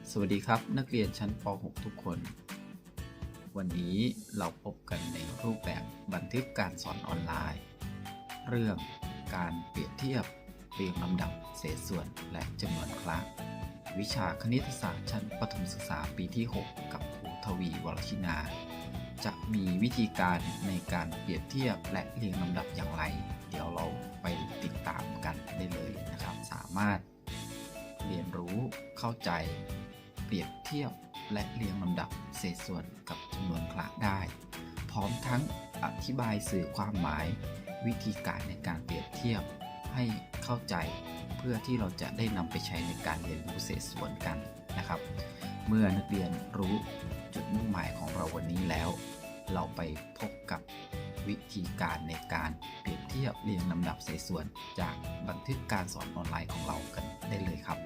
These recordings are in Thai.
สวัสดีครับนักเรียนชั้นป .6 ทุกคน วันนี้เราพบกันในรูปแบบบันทึกการสอนออนไลน์ เรื่องการเปรียบเทียบเรียงลำดับเศษส่วนและจำนวนครั้งวิชาคณิตศาสตร์ชั้นประถมศึกษาปีที่ 6 กับครูทวีวรชินาจะมีวิธีการในการเปรียบเทียบและเรียงลำดับอย่างไรเดี๋ยวเราไปติดตามกันได้เลยนะครับสามารถเรียนรู้เข้าใจเปรียบเทียบและเรียงลำดับเศษส่วนกับจำนวนครั้งได้พร้อมทั้งอธิบายสื่อความหมายวิธีการในการเปรียบเทียบให้เข้าใจเพื่อที่เราจะได้นำไปใช้ในการเรียนรู้เศษส่วนกันนะครับเมื่อนักเรียนรู้จุดมุ่งหมายของเราวันนี้แล้วเราไปพบกับวิธีการในการเปรียบเทียบเรียงลำดับเศษส่วนจากบันทึกการสอนออนไลน์ของเรากันได้เลยครับ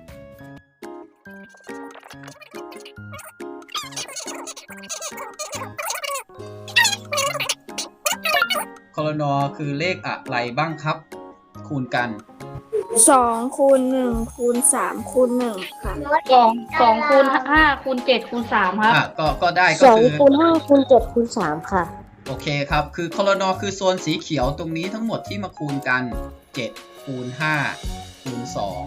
คลน.คือเลขอะไรบ้างครับคูณกัน 2 คูณ 1 คูณ 3 คูณ 1 ค่ะ 2 คูณ 5 คูณ 7 คูณ 3 ครับก็ได้ก็คือ 2 คูณ 5 คูณ 7 คูณ 3 ค่ะโอเคครับคือคลน.คือโซนสีเขียวตรงนี้ทั้งหมดที่มาคูณกัน7คูณ5คูณ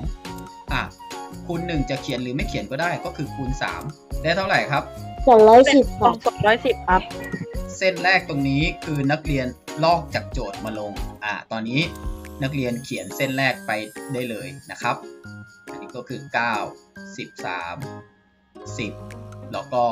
2คูณ1จะเขียนหรือไม่เขียนก็ได้ก็คือคูณ3ได้เท่าไหร่ครับ 210ค่ะ 210ครับเส้นแรกตรงนี้คือนักเรียนลอกจากโจทย์มาลงตอนนี้นักเรียนเขียนเส้นแรกไปได้เลยนะครับอันนี้ก็คือ9 13 10แล้วก็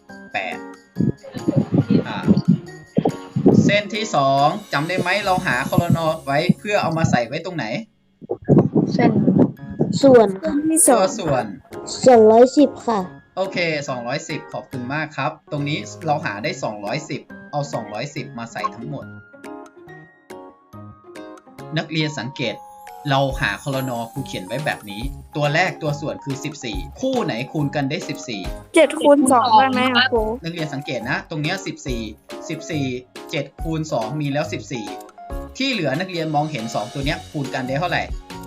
8เส้นที่2จำได้ไหมเราหาคลน.ไว้เพื่อเอามาใส่ไว้ตรงไหนเส้นส่วนตัวส่วน 210ค่ะโอเค210ขอบคุณมากครับตรงนี้เราหาได้210เอา210มาใส่ทั้งหมดนักเรียนสังเกตเราหาคลน.ครูเขียนไว้แบบนี้ตัวแรกตัวส่วนคือ14คู่ไหนคูณกันได้14 7 คูณ 2 ได้ไหมครูนักเรียนสังเกตนะตรงนี้14 7คูณ2มีแล้ว14ที่เหลือนักเรียนมองเห็น2ตัวนี้คูณกันได้เท่าไหร่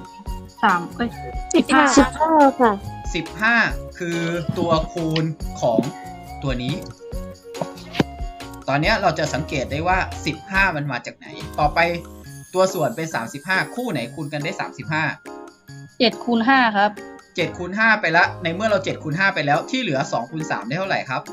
15ค่ะ 15คือตัวคูณของตัวนี้ตอนนี้เราจะสังเกตได้ว่า15มันมาจากไหนต่อไปตัวส่วนเป็น35คู่ไหนคูณกันได้35 7 คูณ 5ครับ 7คูณ5ไปแล้วในเมื่อเรา7คูณ5ไปแล้วที่เหลือ2คูณ3ได้เท่าไหร่ครับ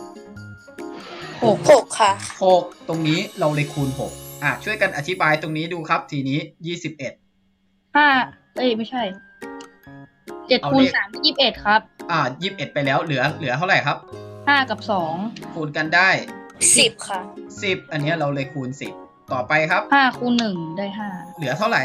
6ค่ะ 6ตรงนี้เราเลยคูณ6ช่วยกันอธิบายตรงนี้ดูครับทีนี้21 ไม่ใช่7คูณ3 21ครับ 21ไปแล้วเหลือเท่าไหร่ครับ 5กับ2 คูณกันได้ 10ค่ะ 10อันนี้เราเลยคูณ10ต่อไปครับ 5คูณ1ได้5 เหลือเท่าไหร่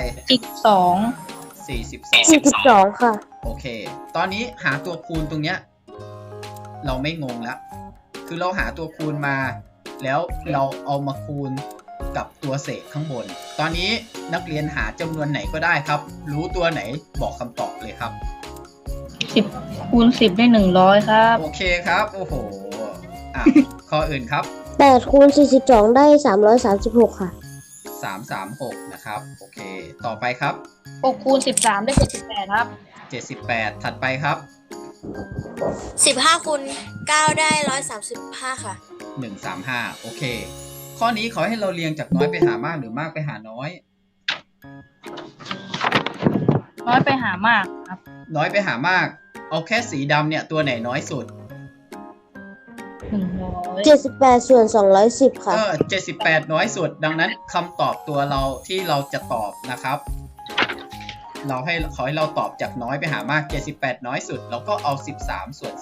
42ค่ะโอเคตอนนี้หาตัวคูณตรงเนี้ยเราไม่งงแล้วคือเราหาตัวคูณมาแล้วเราเอามาคูณกับตัวเศษข้างบนตอนนี้นักเรียนหาจำนวนไหนก็ได้ครับรู้ตัวไหนบอกคำตอบเลยครับ 10คูณ10ได้100ครับโอเคครับโอ้โหข้ออื่นครับ 8คูณ42ได้336ค่ะ 336นะครับโอเคต่อไปครับ 6คูณ13ได้78ครับ 78ถัดไปครับ 15คูณ9ได้135ค่ะ 135โอเคข้อนี้ขอให้เราเรียงจากน้อยไปหามากหรือมากไปหาน้อยน้อยไปหามากครับน้อยไปหามากเอาแค่สีดำเนี่ยตัวไหนน้อยสุด 78ส่วน210ค่ะ 78น้อยสุดดังนั้นคำตอบตัวเราที่เราจะตอบนะครับขอให้เราตอบจากน้อยไปหามาก78น้อยสุดแล้วก็เอา13ส่วน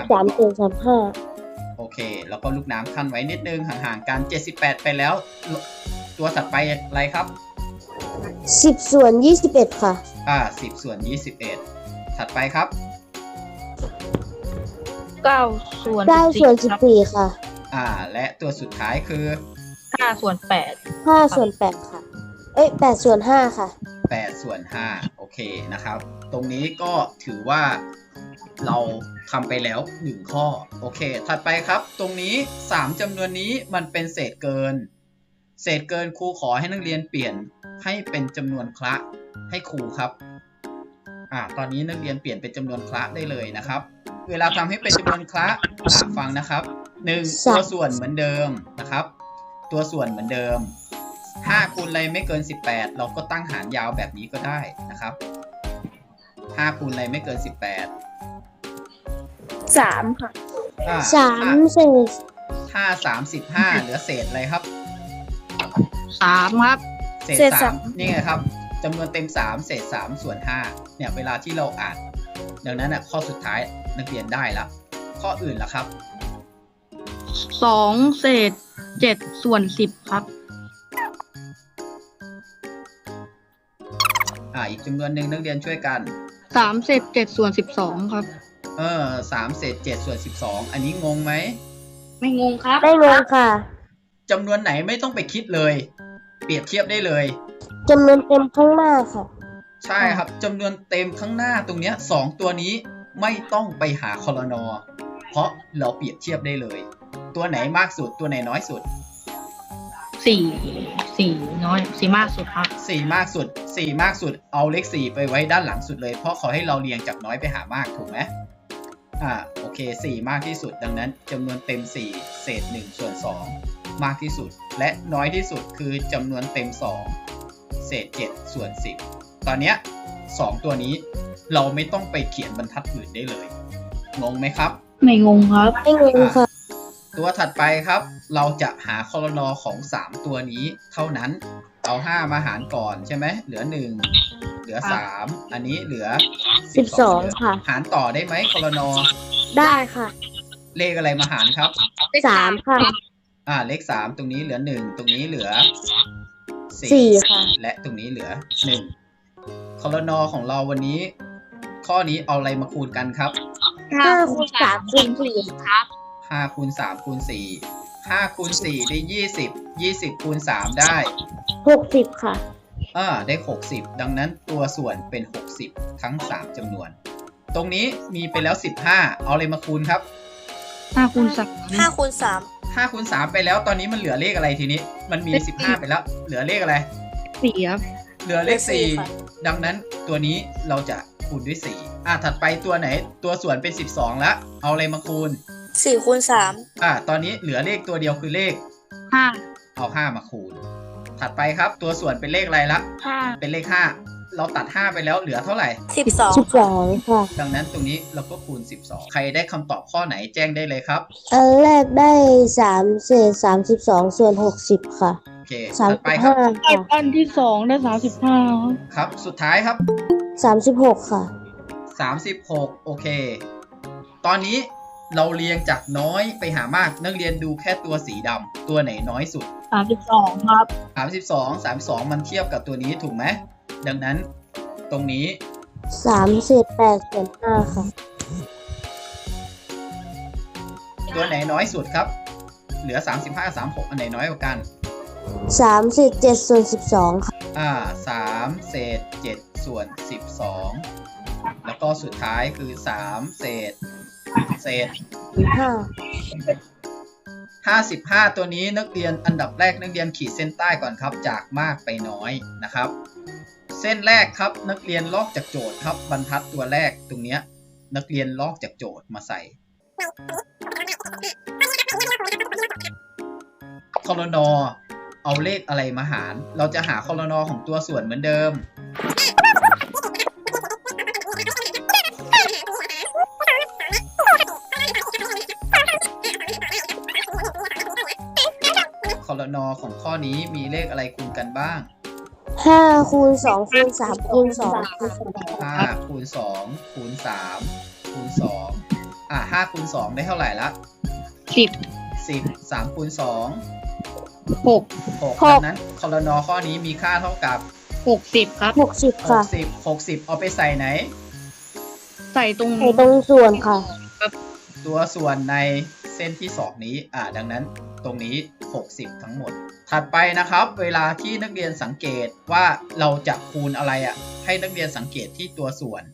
35โอเคแล้วก็ลูกน้ำขั้นไว้นิดนึงห่างๆกัน78ไปแล้วตัวถัดไปอะไรครับ 10ส่วน21ค่ะ 10ส่วน21ถัดไปครับ 9ส่วน 14ค่ะและตัวสุดท้ายคือ 5ส่วน 8ค่ะ8ส่วน5ค่ะ 8ส่วน5โอเคนะครับตรงนี้ก็ถือว่าเราทำไปแล้ว1ข้อโอเคถัดไปครับตรงนี้3จำนวนนี้มันเป็นเศษเกินครูขอให้นักเรียนเปลี่ยนให้เป็นจำนวนคละให้ครูครับตอนนี้นักเรียนเปลี่ยนเป็นจำนวนคละได้เลยนะครับเวลาทำให้เป็นจำนวนคละฟังนะครับ1 สามตัวส่วนเหมือนเดิมนะครับ ตัวส่วนเหมือนเดิม5คูณอะไรไม่เกิน18เราก็ตั้งหารยาวแบบนี้ก็ได้นะครับ5คูณอะไรไม่เกิน18 3 ค่ะ 3 เศษถ้า35เหลือเศษอะไรครับ 3 ครับเศษเศษสาสาม มนี่ไงครับจำนวนเต็ม3เศษ3ส่วน5เนี่ยเวลาที่เราอ่านดังนั้นข้อสุดท้ายนักเรียนได้ละข้ออื่นล่ะครับ 2 เศษ 7 ส่วน 10 ครับอีกจำนวนหนึ่งนักเรียนช่วยกัน 3 เศษ 7 ส่วน 12 ครับ 3เศษ7ส่วน12อันนี้งงไหมไม่งงครับได้งงค่ะจำนวนไหนไม่ต้องไปคิดเลย เปรียบเทียบได้เลยจำนวนเต็มข้างหน้าค่ะใช่ครับจำนวนเต็มข้างหน้าตรงเนี้ย2ตัวนี้ไม่ต้องไปหาคอลนอเพราะเราเปรียบเทียบได้เลย ตัวไหนมากสุดตัวไหนน้อยสุด 4 น้อย 4 มากสุดครับ 4 มากสุด4มากสุดเอาเลข4ไปไว้ด้านหลังสุดเลยเพราะขอให้เราเรียงจากน้อยไปหามากถูกไหมโอเค4มากที่สุดดังนั้นจำนวนเต็ม4เศษ1ส่วน2มากที่สุดและน้อยที่สุดคือจำนวนเต็ม2เศษ7ส่วน10ตอนเนี้ย2ตัวนี้เราไม่ต้องไปเขียนบรรทัดอื่นได้เลยงงไหมครับไม่งงครับได้งงค่ะตัวถัดไปครับเราจะหาคอลนอของ3ตัวนี้เท่านั้นเอา5มาหารก่อนใช่ไหมเหลือ1เหลือ3อันนี้เหลือ 12 ค่ะหารต่อได้ไหมคอลนอได้ค่ะเลขอะไรมาหารครับ 3 ค่ะเลข3ตรงนี้เหลือ1ตรงนี้เหลือ 4 ค่ะและตรงนี้เหลือ1คอลนอของเราวันนี้ ข้อนี้เอาอะไรมาคูณกันครับ 5 คูณ 3 คูณ 4 ครับ 5คูณ3คูณ4 5คูณ4ได้20 20คูณ3ได้ 60 ค่ะได้60ดังนั้นตัวส่วนเป็น60ทั้ง3จำนวน ตรงนี้มีไปแล้ว15เอาอะไรมาคูณครับ 5 คูณ 3 5 คูณ 5คูณ3ไปแล้วตอนนี้มันเหลือเลขอะไรทีนี้มันมี15ไปแล้วเหลือเลขอะไร 4 ครับเหลือเลขเลขสี่ค่ะ 4ดังนั้นตัวนี้เราจะคูณด้วย4ถัดไปตัวไหนตัวส่วนเป็น12แล้วเอาอะไรมาคูณ 4 คูณตอนนี้เหลือเลขตัวเดียวคือเลข 5 เอา5มาคูณถัดไปครับตัวส่วนเป็นเลขอะไรละ 5 เป็นเลข5เราตัด5ไปแล้วเหลือเท่าไหร่ 3 12 ค่ะดังนั้นตรงนี้เราก็คูณ12ใครได้คำตอบข้อไหนแจ้งได้เลยครับอันแรกได้ 3 เศษ 32 ส่วน 60 ค่ะโอเคถัดไปครับ 35 ค่ะอันที่ 2 ได้ 35 ครับสุดท้ายครับ 36 ค่ะ 36โอเคตอนนี้เราเรียงจากน้อยไปหามากนักเรียนดูแค่ตัวสีดำตัวไหนน้อยสุด 32 ครับ 32มันเทียบกับตัวนี้ถูกไหมดังนั้นตรงนี้ 3 เศษ 8 ส่วน 5 ค่ะตัวไหนน้อยสุดครับเหลือ35 36อันไหนน้อยกว่ากัน 3 เศษ 7 ส่วน 12 ค่ะ 3เศษ7ส่วน12แล้วก็สุดท้ายคือ3เศษ 5 55ตัวนี้นักเรียนอันดับแรกนักเรียนขีดเส้นใต้ก่อนครับจากมากไปน้อยนะครับ เส้นแรกครับนักเรียนลอกจากโจทย์ครับบรรทัดตัวแรกตรงเนี้ยนักเรียนลอกจากโจทย์มาใส่คอลนอเอาเลขอะไรมาหารเราจะหาคอลนอของตัวส่วนเหมือนเดิมคอลนอของข้อนี้มีเลขอะไรคูณกันบ้าง 5 คูณ 2 คูณ 3 คูณ 2 คูณ 5คูณ2คูณ3คูณ25คูณ2ได้เท่าไหร่ละ 10 3คูณ2 6ดังนั้นคอลนอข้อนี้มีค่าเท่ากับ 60 ครับ 60 ค่ะ 60เอาไปใส่ไหนใส่ตรงในตรงส่วนค่ะตัวส่วนในเส้นที่2นี้ดังนั้นตรงนี้60ทั้งหมดถัดไปนะครับเวลาที่นักเรียนสังเกตว่าเราจะคูณอะไรให้นักเรียนสังเกตที่ตัวส่วน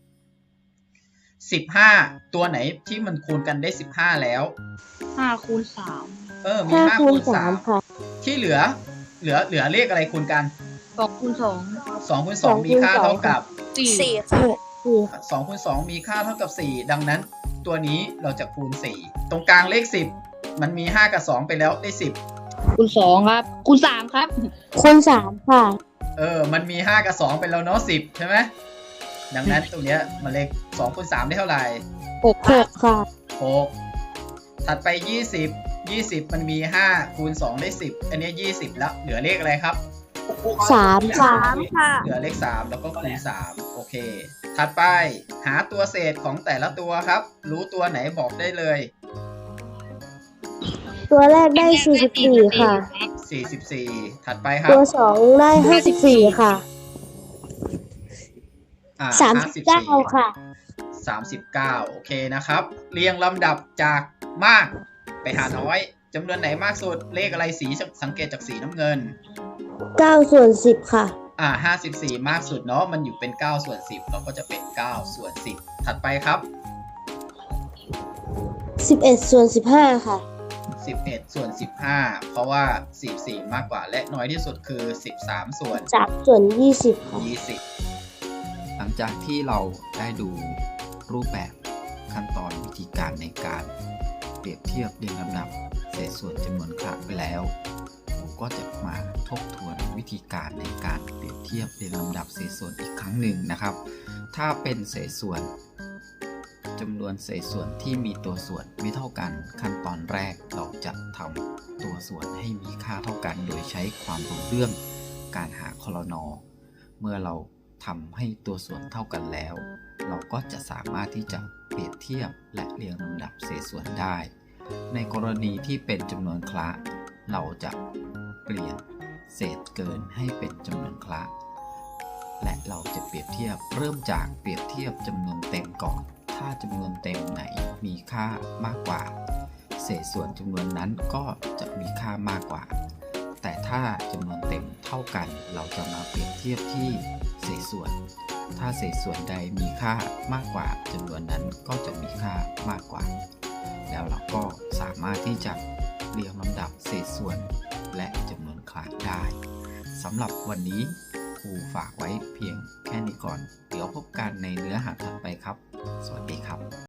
15ตัวไหนที่มันคูณกันได้15แล้ว 5 คูณ 3 มี5 5 คูคูณณ 3 ค่ะ 3ที่เหลือเลขอะไรคูณกัน 2 คูณ 2คูณ2มีค่าเท่ากับ 2 4 4 ค่ะ 2คูณ2มีค่าเท่ากับ4ดังนั้น 2ตัวนี้เราจะคูณ4ตรงกลางเลข10มันมี5กับ2ไปแล้วได้10 คูณ2ครับคูณ3ครับคูณ3ค่ะมันมี5กับ2ไปแล้วเนาะ10ใช่ไหมดังนั้นตรงเนี้ยมันเลข2คูณ3ได้เท่าไหร่ 6ค่ะ 6ถัดไป20มันมี5คูณ2ได้10อันนี้20แล้วเหลือเลขอะไรครับ 3ค่ะเหลือเลข3แล้วก็คูณ3โอเคถัดไปหาตัวเศษของแต่ละตัวครับรู้ตัวไหนบอกได้เลยตัวแรกได้44ค่ะ 44ถัดไปครับตัว2ได้54ค่ะ39ค่ะ 39โอเคนะครับเรียงลำดับจากมากไปหาน้อยจำนวนไหนมากสุดเลขอะไรสีสังเกตจากสีน้ำเงิน 9ส่วน10ค่ะ 54มากสุดเนาะมันอยู่เป็น9ส่วน10เราก็จะเป็น9ส่วน10ถัดไปครับ 11ส่วน15ค่ะ 11ส่วน15เพราะว่า44มากกว่าและน้อยที่สุดคือ13ส่วน 20ค่ะหลังจากที่เราได้ดูรูปแบบขั้นตอนวิธีการในการเปรียบเทียบเรียงลำดับเศษส่วนจำนวนครั้งไปแล้วผมก็จะมาทบทวนวิธีการในการเปรียบเทียบเรียงลำดับเศษส่วนอีกครั้งหนึ่งนะครับถ้าเป็นเศษส่วนจำนวนเศษส่วนที่มีตัวส่วนไม่เท่ากันขั้นตอนแรกเราจะทำตัวส่วนให้มีค่าเท่ากันโดยใช้ความรู้เรื่องการหาคลน.เมื่อเราทำให้ตัวส่วนเท่ากันแล้วเราก็จะสามารถที่จะเปรียบเทียบและเรียงลำดับเศษส่วนได้ในกรณีที่เป็นจำนวนคละเราจะเปลี่ยนเศษเกินให้เป็นจำนวนคละและเราจะเปรียบเทียบเริ่มจากเปรียบเทียบจำนวนเต็มก่อนถ้าจำนวนเต็มไหนมีค่ามากกว่าเศษส่วนจำนวนนั้นก็จะมีค่ามากกว่าแต่ถ้าจำนวนเต็มเท่ากันเราจะมาเปรียบเทียบที่เศษส่วนถ้าเศษส่วนใดมีค่ามากกว่าจำนวนนั้นก็จะมีค่ามากกว่าแล้วเราก็สามารถที่จะเรียงลำดับเศษส่วนและจำนวนคละได้สำหรับวันนี้ครูฝากไว้เพียงแค่นี้ก่อนเดี๋ยวพบกันในเนื้อหาถัดไปครับสวัสดีครับ